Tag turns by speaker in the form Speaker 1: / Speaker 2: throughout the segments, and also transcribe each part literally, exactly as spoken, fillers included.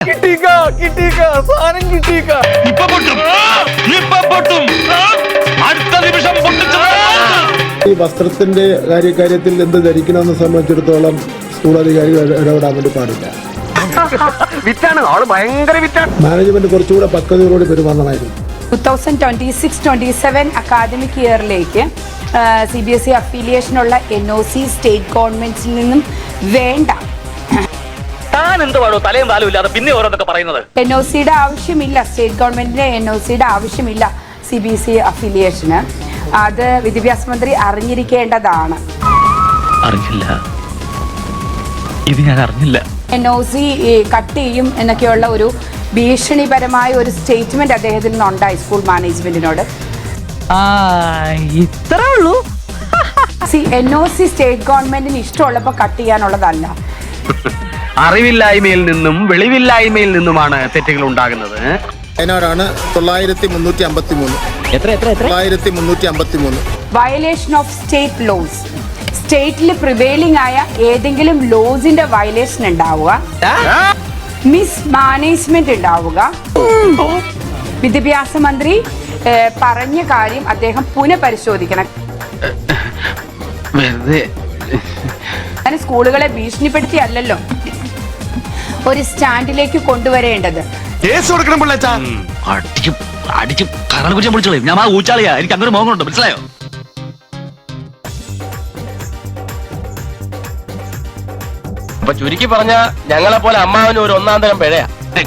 Speaker 1: ഈ വസ്ത്രത്തിന്റെ കാര്യത്തിൽ എന്ത് ധരിക്കണമെന്ന് സംബന്ധിച്ചിടത്തോളം സ്കൂൾ അധികാരികൾ ഇടപെടാൻ വേണ്ടി പാടില്ല. മാനേജ്മെന്റ് കുറച്ചുകൂടെ പക്വതയോടെ പെരുമാറണമായിരുന്നു.
Speaker 2: Two thousand twenty six twenty seven academic ഇയറിലേക്ക് സി ബി എസ് ഇ അഫിലിയേഷനുള്ള എൻ ഒ സി സ്റ്റേറ്റ് ഗവൺമെന്റിൽ നിന്നും വേണ്ട. എൻ ഒ സിയുടെ ആവശ്യമില്ല, സ്റ്റേറ്റ് ഗവൺമെന്റിന്റെ എൻ ഒ സിയുടെ ആവശ്യമില്ല സി ബി എസ് ഇ അഫിലിയേഷന്. അത് വിദ്യാഭ്യാസ മന്ത്രി അറിഞ്ഞിരിക്കേണ്ടതാണ്.
Speaker 3: അറിഞ്ഞില്ല, ഇത് ഞാൻ അറിഞ്ഞില്ല.
Speaker 2: എൻ ഒ സി കട്ട് ചെയ്യും എന്നൊക്കെയുള്ള ഒരു ഭീഷണിപരമായ ഒരു സ്റ്റേറ്റ്മെന്റ് അദ്ദേഹത്തിൽ നിന്നുണ്ടായി സ്കൂൾ മാനേജ്മെന്റിനോട്.
Speaker 3: ഇത്രേ ഉള്ളൂ.
Speaker 2: C N O C state ഗവൺമെന്റിന് ഇഷ്ടമുള്ളപ്പോ കട്ട് ചെയ്യാനുള്ളതല്ല.
Speaker 4: അറിവില്ലായ്മയിൽ നിന്നും വെളിവില്ലായ്മയിൽ നിന്നുമാണ് തെറ്റുകൾ ഉണ്ടാകുന്നത്.
Speaker 1: അതിനാണ് തൊള്ളായിരത്തി മുന്നൂറ്റി അമ്പത്തി മൂന്ന് തൊള്ളായിരത്തി മുന്നൂറ്റി അമ്പത്തി മൂന്ന്
Speaker 2: വയലേഷൻ ഓഫ് സ്റ്റേറ്റ് ലോസ്. സ്റ്റേറ്റിൽ പ്രിവെയിലിംഗ് ആയ ഏതെങ്കിലും ലോസിന്റെ വയലേഷൻ ഉണ്ടാവുക, മിസ് മാനേജ്മെന്റ് ഉണ്ടാവുക, വിദ്യാഭ്യാസ മന്ത്രി പറഞ്ഞ കാര്യം അദ്ദേഹം പുനഃപരിശോധിക്കണം. അങ്ങനെ സ്കൂളുകളെ ഭീഷണിപ്പെടുത്തിയല്ലോ ഒരു സ്റ്റാൻഡിലേക്ക് കൊണ്ടുവരേണ്ടത്.
Speaker 3: ഞാൻ ആ ഊച്ചാളിയാ, എനിക്ക് അങ്ങനെ മോഹമുണ്ട്, മനസ്സിലായോ?
Speaker 4: അപ്പൊ ചുരുക്കി പറഞ്ഞ ഞങ്ങളെ പോലെ അമ്മാവന് ഒരു ഒന്നാം തരം പിഴയാ.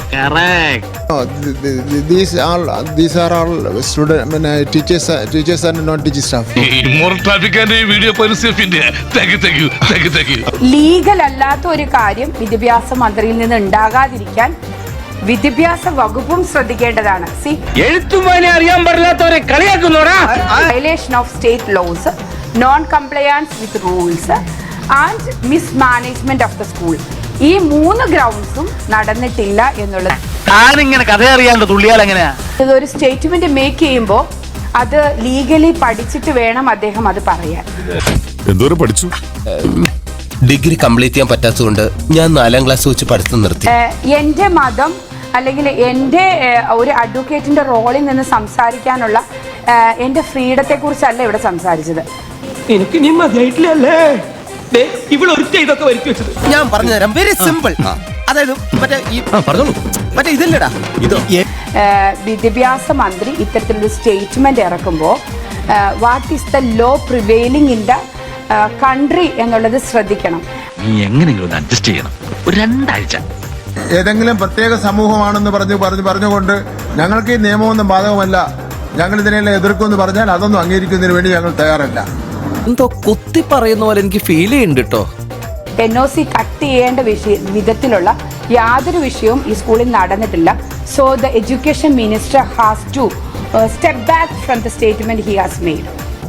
Speaker 1: These are these are all student I mean, uh, teachers uh, teachers and non-teaching staff.
Speaker 5: Moral traffic and video policy of India. Thank you, thank you, thank you, thank you.
Speaker 2: Legal അല്ലാത്ത ഒരു കാര്യം വിദ്യാഭ്യാസ മന്ത്രിയിൽ നിന്ന് ഉണ്ടാകാതിരിക്കാൻ വിദ്യാഭ്യാസ വകുപ്പും ശ്രദ്ധിക്കേണ്ടതാണ്. സി
Speaker 4: എഴുത്തുമാനെ അറിയാൻ പാടില്ലാത്തവരെ കളിയാക്കുന്നോടാ.
Speaker 2: Violation of state laws, non compliance with rules and mismanagement of the school, ഈ മൂന്ന് ഗ്രൗണ്ട്സും നടന്നിട്ടില്ല എന്നുള്ളത്.
Speaker 3: ഞാനിങ്ങനെ കഥ അറിയാണ്ട് തുള്ളിയാൽ എങ്ങനെയാ?
Speaker 2: ഇതൊരു സ്റ്റേറ്റ്മെന്റ് മേക്ക് ചെയ്യുമ്പോൾ അത് ലീഗലി പഠിച്ചിട്ട് വേണം അദ്ദേഹം അത് പറയാൻ.
Speaker 5: എന്തോരം പഠിച്ചു?
Speaker 6: ഡിഗ്രി കംപ്ലീറ്റ് ചെയ്യാൻ പറ്റാത്തതുകൊണ്ട് ഞാൻ നാലാം ക്ലാസ് വെച്ച് പഠിത്തം നിർത്തി.
Speaker 2: എന്റെ മതം അല്ലെങ്കിൽ എൻ്റെ ഒരു അഡ്വക്കേറ്റിന്റെ റോളിൽ നിന്ന് സംസാരിക്കാനുള്ള എന്റെ ഫ്രീഡത്തെ കുറിച്ചല്ല ഇവിടെ സംസാരിച്ചത്.
Speaker 4: എനിക്ക് നീ മതിയായിട്ടില്ലല്ലേ ഇവിടെ ഒരുത്ത ഇതൊക്കെ വരുത്തി വെച്ചത്.
Speaker 6: ഞാൻ പറഞ്ഞുതരാം, വെരി സിമ്പിൾ. അതായത് മറ്റേ ഈ പറഞ്ഞോളൂ, മറ്റേ ഇതില്ലടാ ഇത്.
Speaker 2: വിദ്യാഭ്യാസ മന്ത്രി ഇത്തരത്തിലൊരു സ്റ്റേറ്റ്മെന്റ് ഇറക്കുമ്പോൾ what is the law prevailing in the country എന്നുള്ളത് ശ്രദ്ധിക്കണം.
Speaker 3: നീ എങ്ങനെയെങ്കിലും അഡ്ജസ്റ്റ് ചെയ്യണം, ഒരു രണ്ടാഴ്ച.
Speaker 1: ഏതെങ്കിലും പ്രത്യേക സമൂഹമാണെന്ന് പറഞ്ഞു പറഞ്ഞു പറഞ്ഞുകൊണ്ട് ഞങ്ങൾക്ക് ഈ നിയമമൊന്നും ബാധകമല്ല, ഞങ്ങൾ ഇതിനെല്ലാം എതിർക്കുമെന്ന് പറഞ്ഞാൽ അതൊന്നും അംഗീകരിക്കുന്നതിന് വേണ്ടി ഞങ്ങൾ തയ്യാറല്ല.
Speaker 6: എന്തോ കുത്തി പറയുന്ന പോലെ എനിക്ക് ഫീൽ ചെയ്യുന്നുണ്ട് കേട്ടോ.
Speaker 2: എൻ ഒ സി കട്ട് ചെയ്യേണ്ട വിഷയ വിധത്തിലുള്ള യാതൊരു വിഷയവും ഈ സ്കൂളിൽ നടന്നിട്ടില്ല. So the education minister has to step back from the statement he has made.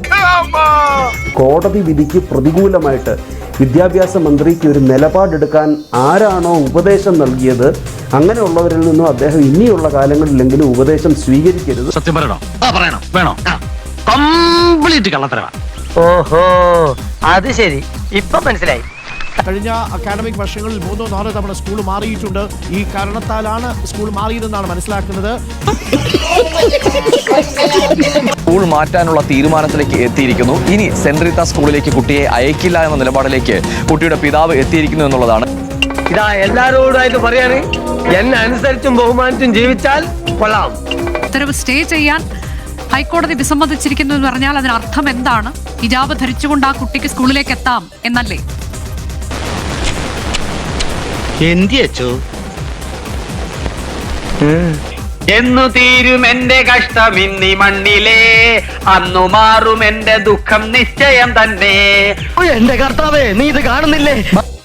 Speaker 7: കോടതി വിധിക്ക് പ്രതികൂലമായിട്ട് വിദ്യാഭ്യാസ മന്ത്രിക്ക് ഒരു നിലപാടെടുക്കാൻ ആരാണോ ഉപദേശം നൽകിയത് അങ്ങനെയുള്ളവരിൽ നിന്നും അദ്ദേഹം ഇനിയുള്ള കാലങ്ങളിലെങ്കിലും ഉപദേശം സ്വീകരിക്കരുത്.
Speaker 3: സത്യം പറയണോ? പറയണം, വേണോ? കംപ്ലീറ്റ് കള്ളത്തരവാ.
Speaker 4: ഓഹോ, അത് ശരി, ഇപ്പൊ മനസ്സിലായി.
Speaker 8: കഴിഞ്ഞ അക്കാഡമിക് വർഷങ്ങളിൽ മൂന്നോ നാലോ തവണ സ്കൂൾ മാറിയിട്ടുണ്ട്. ഈ കാരണത്താലാണ് സ്കൂൾ മാറിയതെന്നാണ് മനസ്സിലാക്കുന്നത്.
Speaker 9: സ്കൂൾ മാറ്റാനുള്ള തീരുമാനത്തിലേക്ക് എത്തിയിരിക്കുന്നു. ഇനി സെന്റ് റീത്ത സ്കൂളിലേക്ക് കുട്ടിയെ അയക്കില്ല എന്ന നിലപാടിലേക്ക് കുട്ടിയുടെ പിതാവ് എത്തിയിരിക്കുന്നു എന്നുള്ളതാണ്.
Speaker 4: ഇതാ എല്ലാരോടായിട്ട് പറയാണ്, എന്നെ അനുസരിച്ചും ബഹുമാനിച്ചും ജീവിച്ചാൽ കൊള്ളാം.
Speaker 10: ഉത്തരവ് സ്റ്റേ ചെയ്യാൻ ഹൈക്കോടതി വിസമ്മതിച്ചിരിക്കുന്നു എന്ന് പറഞ്ഞാൽ അതിനർത്ഥം എന്താണ്? ഹിജാബ് ധരിച്ചുകൊണ്ട് ആ കുട്ടിക്ക് സ്കൂളിലേക്ക് എത്താം എന്നല്ലേ?
Speaker 4: എന്തിയച്ചോ എന്നു തീരും എന്റെ കഷ്ടം ഇന്നി മണ്ണിലേ, അന്നു മാറും എന്റെ ദുഃഖം നിശ്ചയം തന്നെ. എന്റെ കർത്താവേ, നീ ഇത് കാണുന്നില്ലേ?